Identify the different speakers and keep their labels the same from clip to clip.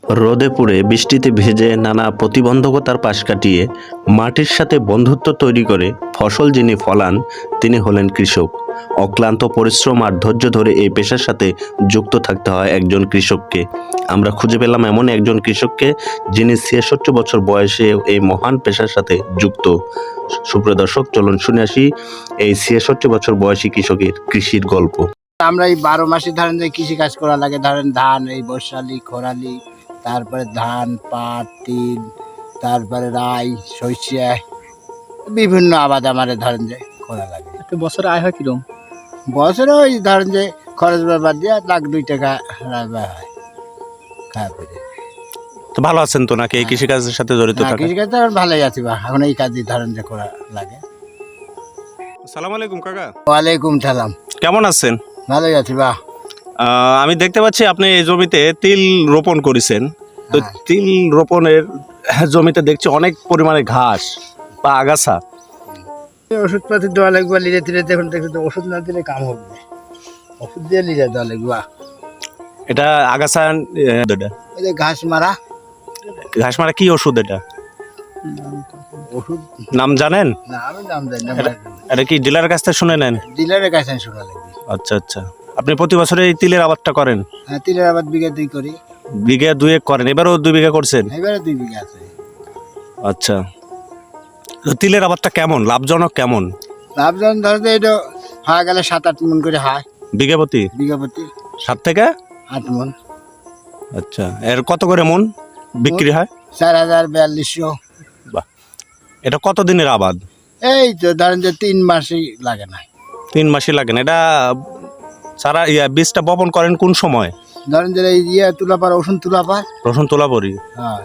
Speaker 1: রোদে পুড়ে বৃষ্টিতে ভিজে নানা প্রতিবন্ধকতার পাশ কাটিয়ে মাটির সাথে বন্ধুত্ব তৈরি করে ফসল যিনি ফলান তিনি হলেন কৃষক। অক্লান্ত পরিশ্রম আর ধৈর্য ধরে এই পেশার সাথে যুক্ত থাকতে হয় একজন কৃষককে। আমরা খুঁজে পেলাম এমন একজন কৃষককে যিনি ৬৬ বছর বয়সে এই মহান পেশার সাথে যুক্ত। সুপ্রিয় দর্শক, চলুন শুনে আসি এই ৬৬ বছর বয়সী কৃষকের কৃষির গল্প।
Speaker 2: আমরা এই ১২ মাসে ধরেন যে কৃষি কাজ করা লাগে, ধরেন ধান, এই বর্ষালি, খরালি, তারপরে ধান, পাট, তিল, তারপরে রাই, সরিষা, বিভিন্ন আবাদ আমাদের ধরেন যে করা লাগে।
Speaker 3: একটা বছরে আয় হয় কিরকম?
Speaker 2: বছরে ওই ধরেন যে খরচ ব্যাপার দিয়ে ৳১,০০,০০০ রাখা হয় খাওয়া পেরে।
Speaker 1: তো ভালো আছেন তো নাকি এই কৃষিকাজের সাথে জড়িত থাকা?
Speaker 2: কৃষিকাজটা ভালোই আছি বা এখন এই কাজই ধরেন যে করা লাগে।
Speaker 1: আসসালামু আলাইকুম কাকা।
Speaker 2: ওয়ালাইকুম সালাম।
Speaker 1: কেমন আছেন?
Speaker 2: ভালোই আছি বা।
Speaker 1: আমি দেখতে পাচ্ছি আপনি এই জমিতে তিল রোপণ করেছেন। তো
Speaker 2: হ্যাঁ।
Speaker 1: তিল রোপণের জমিতে দেখছি অনেক পরিমাণে ঘাস বা আগাছা।
Speaker 2: ওষুধপাতি দেওয়া লাগবে, লিজে তিলে দেখুন দেখুন তো, ওষুধ না দিলে কাম হবে না, ওষুধ দিয়ে লিজে দেওয়া লাগবে।
Speaker 1: এটা আগাছা এটা
Speaker 2: এই যে ঘাস মারা,
Speaker 1: ঘাস মারা কি ওষুধ এটা?
Speaker 2: ওষুধ
Speaker 1: নাম জানেন?
Speaker 2: না আমি দাম দেয় না,
Speaker 1: এটা কি ডিলারের কাছ থেকে শুনে নেন?
Speaker 2: ডিলারের কাছে শোনা লাগবে।
Speaker 1: আচ্ছা আচ্ছা। আপনি প্রতি বছরে এই তিলের আবাদটা করেন?
Speaker 2: হ্যাঁ, তিলের আবাদ বিঘা 2 করি।
Speaker 1: বিঘা 2 করেন, এবারও 2 বিঘা করছেন?
Speaker 2: এবারে 2 বিঘা আছে।
Speaker 1: আচ্ছা। তো তিলের আবাদটা কেমন, লাভজনক কেমন?
Speaker 2: লাভজন ধরতে এটা হয়ে গেলে 7-8 মন করে হয়
Speaker 1: বিঘা প্রতি?
Speaker 2: বিঘা প্রতি
Speaker 1: 7 থেকে
Speaker 2: 8 মন।
Speaker 1: আচ্ছা, এর কত করে মন বিক্রি হয়?
Speaker 2: 4,000-4,200।
Speaker 1: বাহ, এটা কত দিনের আবাদ?
Speaker 2: এই তো ধরেন যে 3 মাসই লাগে না।
Speaker 1: 3 মাসই লাগে না। এটা সারা বীজটা বপন করেন কোন সময়?
Speaker 2: ধরেন যে এই তুলা পার, রসুন তুলা পার।
Speaker 1: রসুন তোলা পরি।
Speaker 2: হ্যাঁ,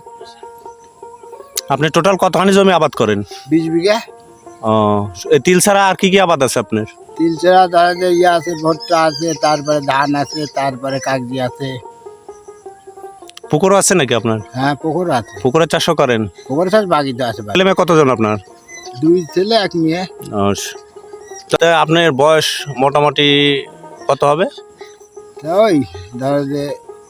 Speaker 1: আপনি টোটাল কতখানি জমি আবাদ করেন?
Speaker 2: 20 বিঘা।
Speaker 1: ও, এই তিল ছাড়া আর কি কি আবাদ আছে আপনার?
Speaker 2: তিল ছাড়া ধরেন যে আছে, ভুট্টা আছে, তারপরে ধান আছে, তারপরে কাগজি আছে।
Speaker 1: পুকুরও আছে নাকি আপনার?
Speaker 2: হ্যাঁ, পুকুর আছে।
Speaker 1: পুকুরে চাষও করেন?
Speaker 2: পুকুরের চাষ বাগিতে আছে।
Speaker 1: ছেলে মেয়ে কতজন আপনার?
Speaker 2: 2 ছেলে 1 মেয়ে।
Speaker 1: তাতে আপনার বয়স মোটামুটি কত হবে?
Speaker 2: ওই ধরো যে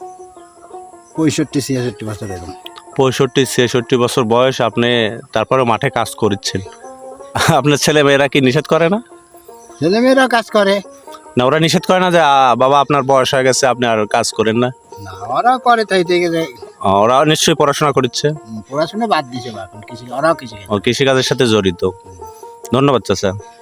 Speaker 2: 65-66 বছর এরকম।
Speaker 1: 65-66 বছর বয়স, আপনি তারপরে মাঠে কাজ করছেন। আপনার ছেলে মেয়েরা কি নিষেধ করে না?
Speaker 2: ছেলেমেয়েরা কাজ করে
Speaker 1: না, ওরা নিষেধ করে না যে বাবা আপনার বয়স হয়ে গেছে আপনি আর কাজ করেন না?
Speaker 2: না, ওরা করে তাই থেকে
Speaker 1: ওরা নিশ্চয়ই পড়াশোনা করছে।
Speaker 2: পড়াশোনা বাদ দিছে, এখন ওরাও কৃষি।
Speaker 1: ও কৃষিকাজের সাথে জড়িত। ধন্যবাদ চাচা।